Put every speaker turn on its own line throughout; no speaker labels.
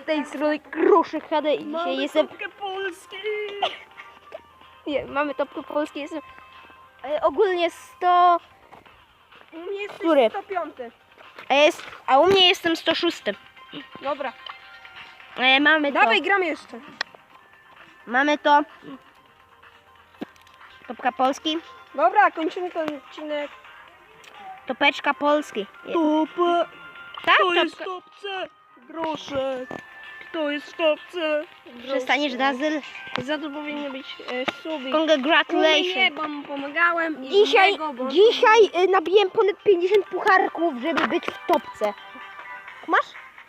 z tej strony Groszek HD i dzisiaj jestem...
Topkę Polski!
Nie, mamy topkę Polski, jestem... ogólnie 100...
U mnie jest
Który?
105.
A u mnie jestem 106.
Dobra.
Mamy to.
Dawaj, gram jeszcze.
Mamy to. Topka Polski.
Dobra, kończymy ten odcinek.
Topeczka Polski.
Topę!
Tak,
Kto jest w
topka.
topce? Groszek. Kto jest w topce?
Przestaniesz, Dazyl.
Za to powinny być suby. Nie,
Congratulations.
bo mu pomagałem. I
Dzisiaj,
innego, bo...
nabiłem ponad 50 pucharków, żeby być w topce. Masz?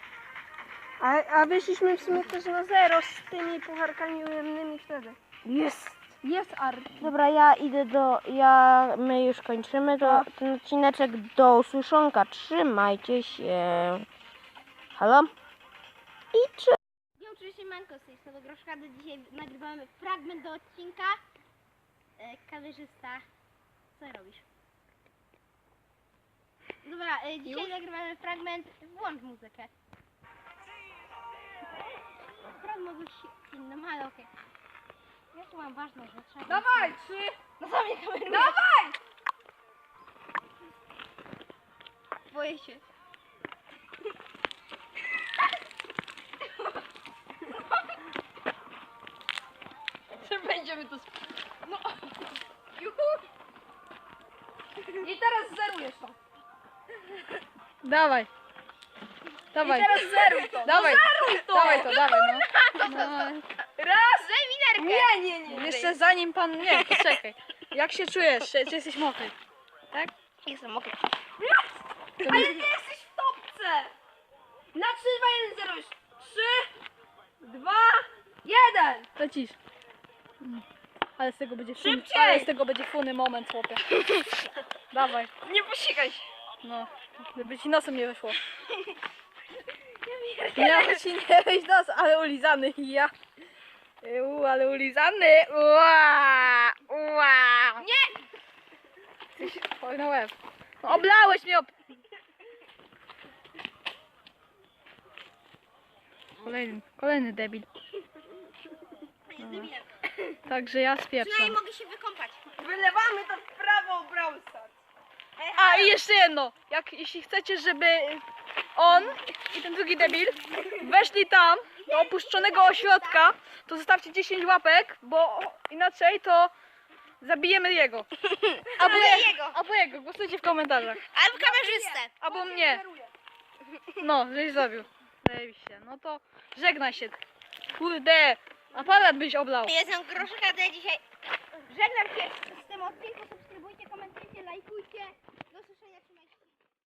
A wyszliśmy w sumie też na zero z tymi pucharkami ujemnymi wtedy.
Jest.
Jest art.
Dobra, ja idę do... My już kończymy ten odcineczek. Do usłyszonka. Trzymajcie się. Halo? I czy...
Ja oczywiście Manko z tej strony Groszka, dzisiaj nagrywamy fragment do odcinka. Kamerzysta, co robisz? Dobra, dzisiaj nagrywamy fragment, włącz muzykę. Fragment mogę się innym, ale okej. Ja tu mam ważne rzeczy.
Dawaj, 3.
No co mnie kamerujesz?
Dawaj!
Boję się.
Czy będziemy to... No. Juhu. I teraz zerujesz to.
Dawaj. Dawaj.
I teraz zeruj to.
Dawaj.
No zeruj to.
Dawaj to, dawaj no.
Raz.
Daj mi nerkę!
Nie.
Jeszcze zanim pan... Nie, poczekaj. Jak się czujesz? Czy jesteś mokry? Tak?
Jestem mokry.
Ale nie jesteś w topce. Na 3, 2, 1 zerujesz. 3, 2, 1.
Lecisz. Ale z tego będzie
Szybciej!
Ale z tego będzie funny moment, chłopie. Dawaj.
Nie posikaj się.
No. Żeby ci nosem nie wyszło. Miał ci nie wyjść nos, ale ulizany. Ja. Ale ulizany. Ua. Ua.
Nie.
Oj, na łeb. No, oblałeś mnie. Kolejny debil. Dobra. Także ja spieprzam.
Przynajmniej mogę się wykąpać.
Wylewamy to w prawo Brawl Stars.
A i jeszcze jedno. Jeśli chcecie, żeby on i ten drugi debil weszli tam do opuszczonego ośrodka, to zostawcie 10 łapek, bo inaczej to zabijemy jego. Albo jego. Głosujcie w komentarzach.
Albo kamerzystę.
Albo mnie. No, żeś zabił. Zajebiście. No to żegnaj się. Kurde. Aparat byś oblał.
Jestem Groszek, a dzisiaj żegnam się z tym odcinku. Subskrybujcie, komentujcie, lajkujcie.